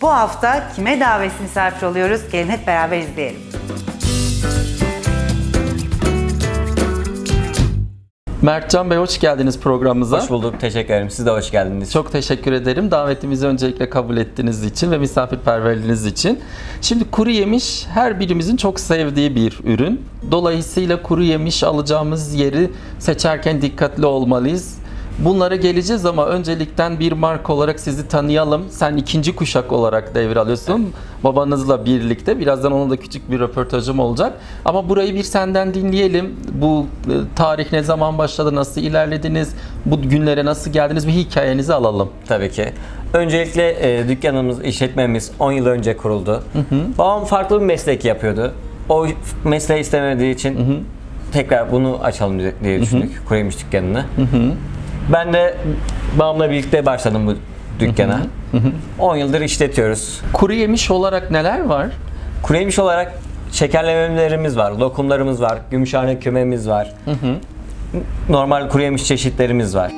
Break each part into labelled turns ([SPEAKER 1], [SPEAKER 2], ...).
[SPEAKER 1] Bu hafta kime davetsiz misafir oluyoruz? Gelin hep beraber izleyelim.
[SPEAKER 2] Mertcan Bey, hoş geldiniz programımıza.
[SPEAKER 3] Hoş bulduk, teşekkür ederim. Siz de hoş geldiniz.
[SPEAKER 2] Çok teşekkür ederim. Davetimizi öncelikle kabul ettiğiniz için ve misafirperverliğiniz için. Şimdi kuru yemiş her birimizin çok sevdiği bir ürün. Dolayısıyla kuru yemiş alacağımız yeri seçerken dikkatli olmalıyız. Bunlara geleceğiz ama öncelikten bir marka olarak sizi tanıyalım. Sen ikinci kuşak olarak devralıyorsun. Babanızla birlikte. Birazdan onun da küçük bir röportajım olacak. Ama burayı bir senden dinleyelim. Bu tarih ne zaman başladı, nasıl ilerlediniz, bu günlere nasıl geldiniz, bir hikayenizi alalım.
[SPEAKER 3] Tabii ki. Öncelikle dükkanımız, işletmemiz 10 yıl önce kuruldu. Babam farklı bir meslek yapıyordu. O mesleği istemediği için tekrar bunu açalım diye düşündük. Kuru yemiş dükkanını. Ben de babamla birlikte başladım bu dükkana. 10 yıldır işletiyoruz.
[SPEAKER 2] Kuru yemiş olarak neler var?
[SPEAKER 3] Kuru yemiş olarak şekerlemelerimiz var, lokumlarımız var, gümüşhane kümemiz var. Normal kuru yemiş çeşitlerimiz var.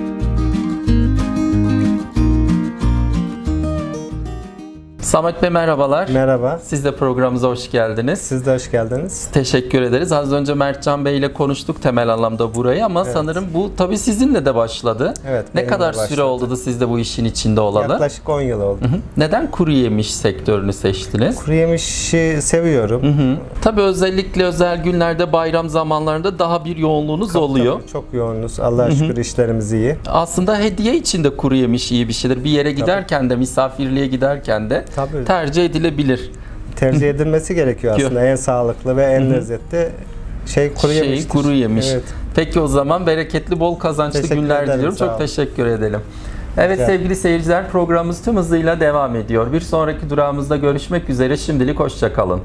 [SPEAKER 2] Samet Bey, merhabalar.
[SPEAKER 4] Merhaba.
[SPEAKER 2] Siz de programımıza hoş geldiniz.
[SPEAKER 4] Siz de hoş geldiniz.
[SPEAKER 2] Teşekkür ederiz. Az önce Mertcan Bey ile konuştuk temel anlamda burayı ama sanırım bu tabii sizinle de başladı.
[SPEAKER 4] Evet,
[SPEAKER 2] Ne
[SPEAKER 4] benimle
[SPEAKER 2] kadar süre
[SPEAKER 4] başladı.
[SPEAKER 2] oldu da siz de bu işin içinde olalı?
[SPEAKER 4] Yaklaşık 10 yıl oldu.
[SPEAKER 2] Neden kuru yemiş sektörünü seçtiniz?
[SPEAKER 4] Kuru yemişi seviyorum.
[SPEAKER 2] Tabii özellikle özel günlerde, bayram zamanlarında daha bir yoğunluğunuz oluyor.
[SPEAKER 4] Tabii, çok yoğunuz. Allah'a şükür işlerimiz iyi.
[SPEAKER 2] Aslında hediye için de kuru yemiş iyi bir şeydir. Bir yere giderken de, misafirliğe giderken de
[SPEAKER 4] Tabii.
[SPEAKER 2] tercih edilebilir.
[SPEAKER 4] Tercih edilmesi gerekiyor aslında. En sağlıklı ve en lezzetli kuru yemiştir.
[SPEAKER 2] Kuru yemiş.
[SPEAKER 4] Evet.
[SPEAKER 2] Peki o zaman bereketli, bol kazançlı
[SPEAKER 4] Teşekkür
[SPEAKER 2] günler
[SPEAKER 4] ederim,
[SPEAKER 2] diliyorum.
[SPEAKER 4] sağ
[SPEAKER 2] Çok
[SPEAKER 4] olun.
[SPEAKER 2] teşekkür edelim. Evet sevgili seyirciler, programımız tüm hızıyla devam ediyor. Bir sonraki durağımızda görüşmek üzere. Şimdilik hoşça kalın.